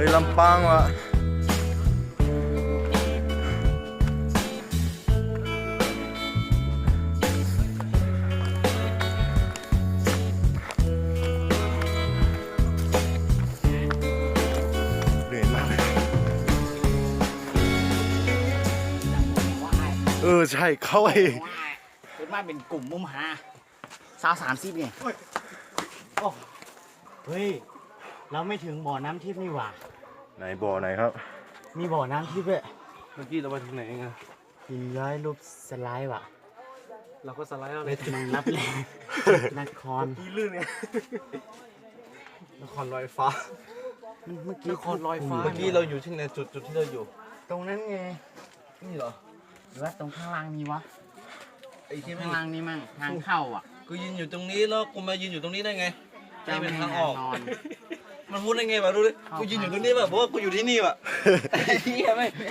ฮ้ยลำปางว่ะเหนื่อยมากเลยใช่เข้าไปเป็นมาเป็นกลุ่มมุมหา30เนี่ยเฮ้ย เราไม่ถึงบ่อน้ำทิพย์นี่หว่าไหนบ่อไหนครับมีบ่อน้ำทิพย์ด้วยเมื่อกี้เราไปถึงไหนไงหินย้อยรูปสไลด์ว่ะเราก็สไลด์เอาเลเลย ยมันรับแรงนครที่ลื่นไงนครลอยฟ้ามันเมื่อกี้นครลอยฟ้าเมื่อกี้เราอยู่ที่ไหนจุดที่เราอยู่ตรงนั้นไงนี่เหรอหรือว่าตรงข้างล่างมีวะไอ้ที่ไม่ข้างล่างนี่มั่งทางเข้าอ่ะกูยืนอยู่ตรงนี้แล้วกูมายืนอยู่ตรงนี้ได้ไงนี่เป็นทางออกนอนมันพูดได้ไงวะรู้ดิกูยืนอยู่ตรงนี้แบบเพราะว่ากูอยู่ที่นี่วะไอ้เหี้ยไม่